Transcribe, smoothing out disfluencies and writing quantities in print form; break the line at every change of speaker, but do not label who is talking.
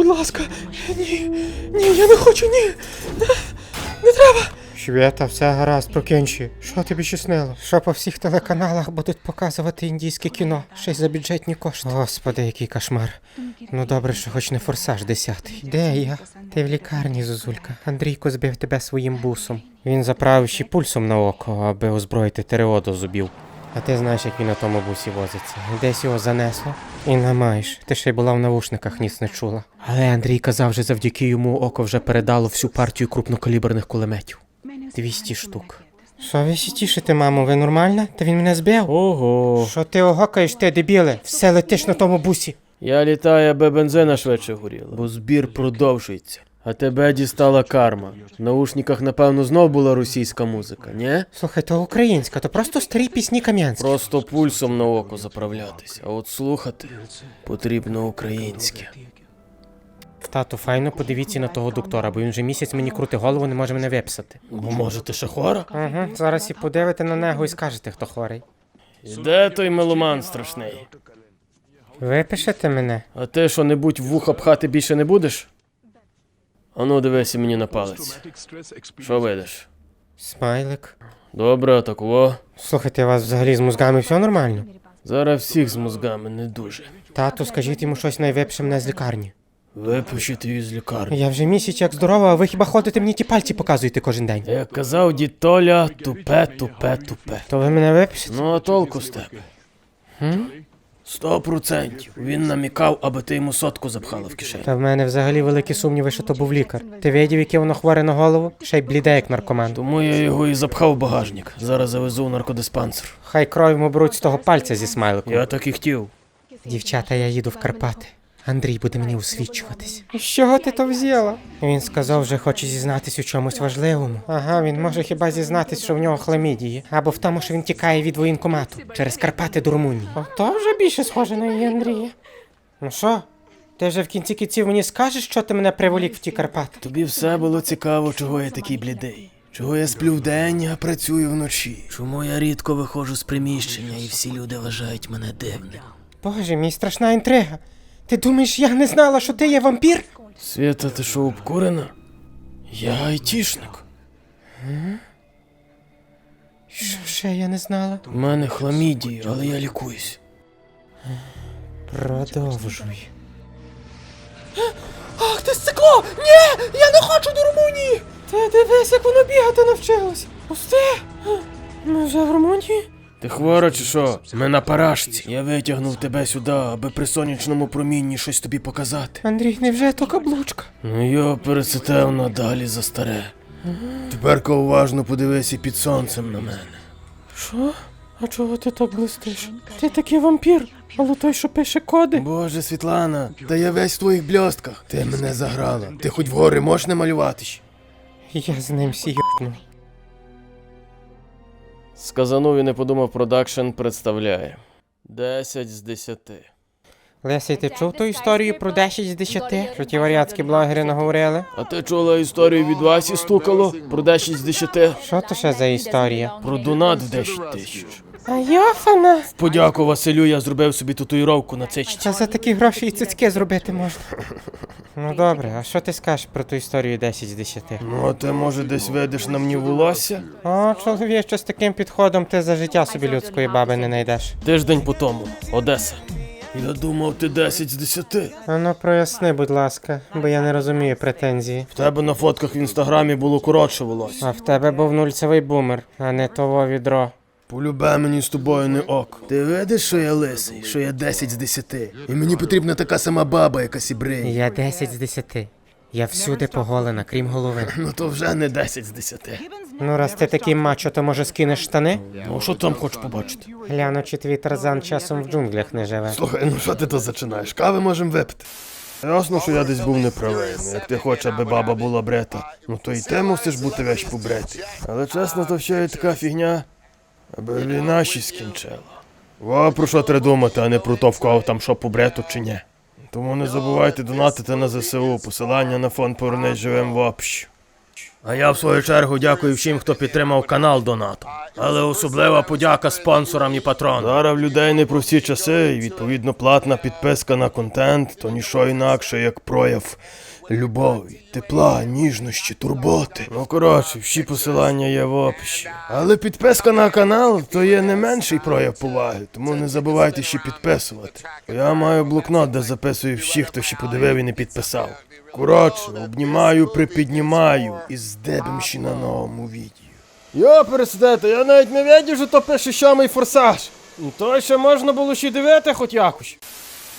ласка. Ні, я не хочу, ні. Не треба. Свята, все гаразд, прокінчи. Що тобі ще снило? Що по всіх телеканалах будуть показувати індійське кіно? Ще й за бюджетні кошти. Господи, який кошмар. Ну добре, що хоч не «Форсаж» 10-й. Де я? Ти в лікарні, Зозулька. Андрійко збив тебе своїм бусом. Він заправив ще пульсом на око, аби озброїти ТРО до зубів. А ти знаєш, як він на тому бусі возиться. Десь його занесло. І намаєш. Ти ще й була в навушниках, ніц не чула. Але Андрій казав, що завдяки йому око вже передало всю партію крупнокаліберних кулеметів. 200 штук. Що ви ще тішите, мамо? Ви нормальна? Та він мене збив?
Ого.
Що ти огокаєш, ти, дебіле? Все летиш на тому бусі.
Я літаю, аби бензина швидше горіла, бо збір продовжується. А тебе дістала карма. В наушниках, напевно, знов була російська музика, ні?
Слухай, то українська, то просто старі пісні Кам'янські.
Просто пульсом на око заправлятись, а от слухати потрібно українське.
Тату, файно подивіться на того доктора, бо він вже місяць мені крути голову, не може мене виписати.
Бо може ти ще хвора?
Угу, зараз і подивите на нього і скажете, хто хворий.
І де той меломан страшний?
Випишете мене?
А ти що-небудь в вуха пхати більше не будеш? Ану, дивися мені на палець. Що видиш?
Смайлик.
Добре, такого.
Слухайте, у вас взагалі з мозгами все нормально?
Зараз всіх з мозгами не дуже.
Тату, скажіть йому щось, найвипише мене з лікарні.
Випишіть її з лікарні.
Я вже місяць як здорова, а ви хіба ходите мені ті пальці показуєте кожен день?
Як казав дід Толя, тупе, тупе, тупе.
То ви мене випишете?
Ну, а толку з тебе? 100%. Він намікав, аби ти йому сотку запхала в кишень.
Та в мене взагалі великі сумніви, що то був лікар. Ти видів, яке воно хворе на голову? Ще й бліде, як наркоман.
Тому я його і запхав в багажник. Зараз завезу в наркодиспансер.
Хай кров йому беруть з того пальця зі смайликом.
Я так і хотів.
Дівчата, я їду в Карпати. Андрій буде мені усвідчуватись. З чого ти то взяла? Він сказав, що хоче зізнатись у чомусь важливому. Ага, він може хіба зізнатись, що в нього хламідії. Або в тому, що він тікає від воєнкомату. Через Карпати до Румунії. Ото вже більше схоже на її Андрія. Ну що? Ти вже в кінці кінців мені скажеш, що ти мене приволік в ті Карпати?
Тобі все було цікаво, чого я такий блідий. Чого я сплю вдень, а працюю вночі. Чому я рідко виходжу з приміщення і всі люди вважають мене дивним.
Боже, мій страшна інтрига. Ти думаєш, я не знала, що ти є вампір?
Свята, ти що, обкурена? Я айтішник.
Що ще я не знала?
У мене хламідії, але я лікуюсь.
Продовжуй. Ах, ти стекло! Ні! Я не хочу до Румунії! Ти дивись, як воно бігати навчилось! Пусти! Ми вже в Румунії?
Ти хвора чи що? Ми на парашці. Я витягнув тебе сюди, аби при сонячному промінні щось тобі показати.
Андрій, невже то каблучка?
Ну йо, перецитав надалі за старе. Тепер-ка уважно подивися під сонцем на мене.
Що? А чого ти так блистиш? Ти такий вампір, але той, що пише коди.
Боже, Світлана, та я весь в твоїх бльостках. Ти мене заграла. Ти хоч вгори можеш намалюватись?
Я з ним сійобну.
Сказанув і не подумав продакшн представляє 10 з 10.
Лесій, ти чув ту історію про 10 з 10? Що ті варіатські блогери наговорили?
А ти чула історію від Васі стукало про 10 з 10?
Що то ще за історія?
Про донат в 10 тисяч.
А йофана!
В подяку Василю я зробив собі татуїровку на цичці.
Та за такі гроші і цицьки зробити можна. Ну добре, а що ти скажеш про ту історію 10 з 10?
Ну, а ти, може, десь видиш на мені волосся?
О, чоловіче, з таким підходом ти за життя собі людської баби не знайдеш.
Тиждень по тому. Одеса. Я думав, ти 10 з 10.
А ну проясни, будь ласка, бо я не розумію претензії.
В тебе на фотках в інстаграмі було коротше волосся.
А в тебе був нульцевий бумер, а не того відро.
Полюбе мені з тобою не ок. Ти видиш, що я лисий, що я 10 з 10. І мені потрібна така сама баба, яка сібриє.
Я 10 з 10. Я всюди поголена, крім голови.
Ну то вже не 10 з 10.
Ну раз ти такий мачо, то може скинеш штани?
Ну що там хочеш побачити?
Гляну, чи твій Тарзан часом в джунглях не живе.
Слухай, ну що ти то зачинаєш? Кави можемо випити. Ясно, що я десь був неправий. Як ти хочеш, аби баба була брета, ну то і ти мусиш бути весь побретий. Але чесно, то ще є така фігня, аби війна ще скінчила. Во про що треба думати, а не про то, в кого там що побрету чи ні. Тому не забувайте донатити на ЗСУ, посилання на фонд «Повернись живим» в описі. А я в свою чергу дякую всім, хто підтримав канал донатом. Але особлива подяка спонсорам і патронам. Зараз в людей непрості часи, і відповідно платна підписка на контент, то ніщо інакше, як прояв любові, тепла, ніжності, турботи. Ну коротше, всі посилання є в описі. Але підписка на канал то є не менший прояв поваги, тому не забувайте ще підписувати. Я маю блокнот, де записую всіх, хто ще подивив і не підписав. Коротше, обнімаю, припіднімаю і здебем ще на новому відео. Йо, пересидете, я навіть не видів, що то пише сьомий форсаж. То ще можна було ще дивити хоч якось.